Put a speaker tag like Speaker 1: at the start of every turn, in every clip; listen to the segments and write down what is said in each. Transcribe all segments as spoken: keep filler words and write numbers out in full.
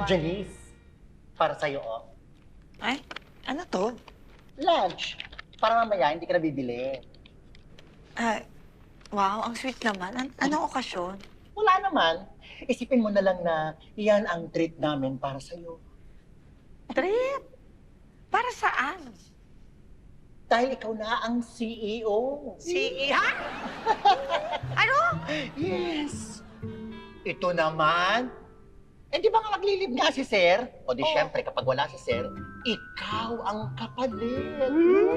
Speaker 1: Janice, para sa'yo, oh.
Speaker 2: Ay, ano to?
Speaker 1: Lunch. Para mamaya, hindi ka na bibili.
Speaker 2: Ay, wow, ang sweet naman. An anong okasyon?
Speaker 1: Wala naman. Isipin mo na lang na iyan ang treat namin para sa'yo.
Speaker 2: Trip? Para saan?
Speaker 1: Dahil ikaw na ang C E O.
Speaker 2: Si ha? Ano?
Speaker 1: Yes! Ito naman. Eh, di ba nga maglilib nga si Sir? O di
Speaker 2: Oo.
Speaker 1: syempre, kapag wala si Sir, ikaw ang kapalit.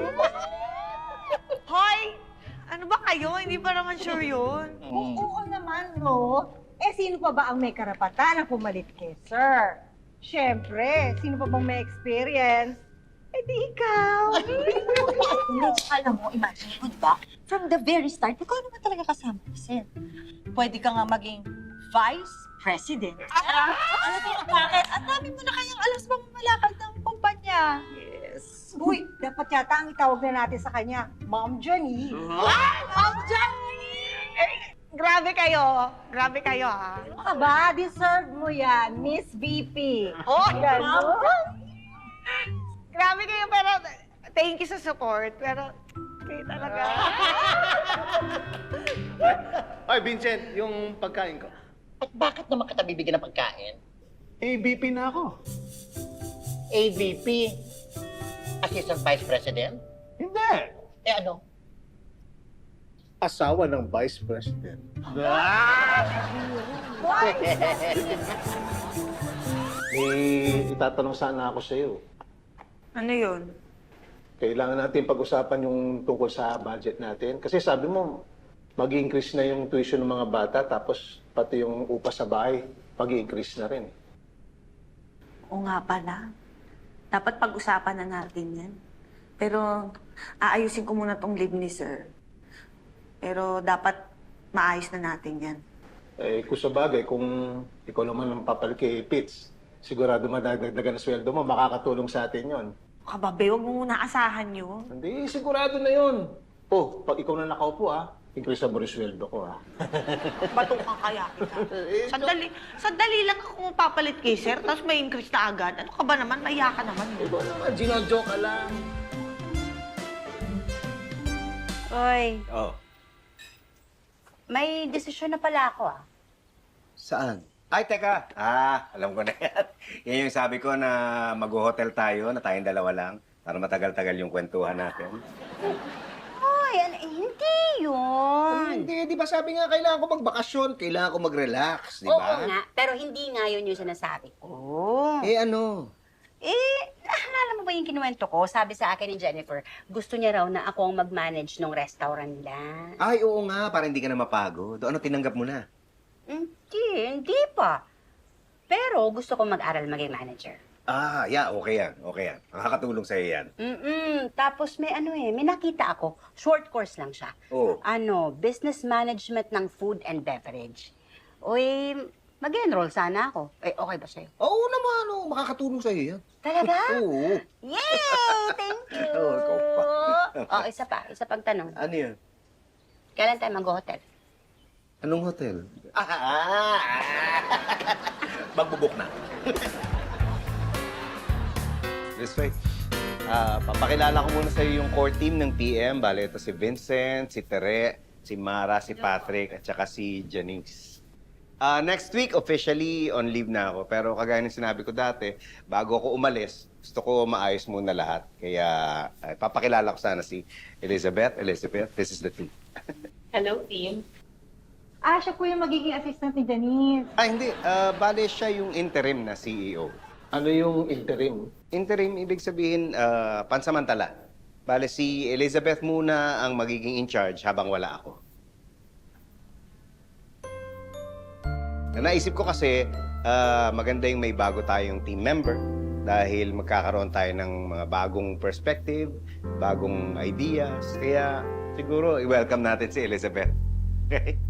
Speaker 2: Hoy! Ano ba kayo? Hindi pa naman sure yun.
Speaker 1: Mm.
Speaker 3: Oo naman, no? Eh, sino pa ba ang may karapatan na pumalit kay Sir? Siyempre, sino pa bang may experience? Eh, di ikaw.
Speaker 4: Hindi, alam mo, imagine mo, di ba? From the very start, ikaw naman talaga kasama ni Sir. Pwede ka nga maging vice president. Alam mo bakit? Ang dami mo na kayang alas bang malakad ng kumpanya.
Speaker 2: Yes.
Speaker 3: Uy, dapat yata ang itawag na natin sa kanya, Ma'am Jenny.
Speaker 2: Ma'am Jenny! Eh, grabe kayo. Grabe kayo, ha?
Speaker 3: Ano ka ba? Deserve mo yan, Miss V P.
Speaker 2: Oh,
Speaker 3: Ganun.
Speaker 2: grabe kayo, pero thank you sa support. Pero, kayo talaga.
Speaker 5: Ay, Vincent, yung pagkain ko.
Speaker 1: At bakit naman kita bibigyan ng pagkain?
Speaker 5: A B P na ako.
Speaker 1: A V P, Assistant Vice President?
Speaker 5: Hindi.
Speaker 1: Eh ano?
Speaker 5: Asawa ng Vice President. May itatanong sana ako sa iyo.
Speaker 2: Ano yun?
Speaker 5: Kailangan natin pag-usapan yung tungkol sa budget natin. Kasi sabi mo, mag-increase na yung tuition ng mga bata, tapos pati yung upa sa bahay, mag-increase na rin.
Speaker 4: Oo nga pala. Dapat pag-usapan na natin yan. Pero, aayusin ko muna tong leave ni Sir. Pero dapat maayos na natin yan.
Speaker 5: Eh, kung sa bagay, kung ikaw naman ang papalit kay Pitts, sigurado madagdagan ang sweldo mo, makakatulong sa atin yon.
Speaker 4: Kababe, huwag mo muna asahan yun.
Speaker 5: Hindi, sigurado na yun. Oh, pag ikaw na nakaupo, ah, increase mo rin sweldo ko, ah.
Speaker 2: Batong kang kaya kita. Sandali, sandali lang ako papalit kay Sir, tapos may increase na agad. Ano ka ba naman? Maya ka naman. eh.
Speaker 5: Ikaw naman, ginojoke ka lang.
Speaker 6: Oy,
Speaker 5: Oh.
Speaker 6: may desisyon na pala ako ah.
Speaker 7: Saan? Ay, teka. Ah, alam ko na yan. Yan yung sabi ko na mag-hotel tayo, na tayong dalawa lang, para matagal-tagal yung kwentuhan natin.
Speaker 6: Oy, ano, eh, hindi yun.
Speaker 7: Hindi, di ba sabi nga, kailangan ko magbakasyon, kailangan ko mag-relax, di
Speaker 6: Oo
Speaker 7: ba?
Speaker 6: nga, pero hindi nga yun yung sinasabi ko.
Speaker 7: Eh, ano?
Speaker 6: Eh, naalala mo ba yung kinuwento ko? Sabi sa akin ni Jennifer, gusto niya raw na ako ang mag-manage ng restaurant nila.
Speaker 7: Ay, oo nga, para hindi ka na mapagod. Ano, tinanggap mo na?
Speaker 6: Hindi, hindi pa. Pero gusto ko mag-aral maging manager.
Speaker 7: Ah, yeah, okay yan, okay yan. Makakatulong sa'yo yan.
Speaker 6: Mm-mm. Tapos may ano eh, may nakita ako. Short course lang siya.
Speaker 7: Oo.
Speaker 6: Ano, business management ng food and beverage. Uy, mag-enroll sana ako. Eh, okay ba sa'yo?
Speaker 7: Oo naman, oh, makakatulong sa'yo yan.
Speaker 6: Talaga?
Speaker 7: Oo.
Speaker 6: Yay! Thank you!
Speaker 7: Oo, ikaw pa.
Speaker 6: oh, isa pa. Isa pang tanong.
Speaker 7: Ano yan?
Speaker 6: Kailan tayo mag-hotel?
Speaker 7: Anong hotel? Ah, magbubuk na. This way. Ah, papakilala ko muna sa iyo yung core team ng P M. Bale, ito si Vincent, si Tere, si Mara, si Patrick, at saka si Janice. Ah, next week, officially on leave na ako. Pero kagaya ng sinabi ko dati, bago ako umalis, gusto ko maayos muna lahat. Kaya ah, papakilala ko sana si Elizabeth. Elizabeth, this is the team.
Speaker 8: Hello, team.
Speaker 3: Ah, siya po yung magiging assistant ni Janice.
Speaker 7: Ah, hindi. Ah, bale, siya yung interim na C E O.
Speaker 5: Ano yung interim?
Speaker 7: Interim, ibig sabihin, ah, pansamantala. Bale, si Elizabeth muna ang magiging in charge habang wala ako. Na naisip ko kasi, ah, maganda yung may bago tayong team member dahil magkakaroon tayo ng mga bagong perspective, bagong ideas. Kaya siguro, i-welcome natin si Elizabeth. Okay?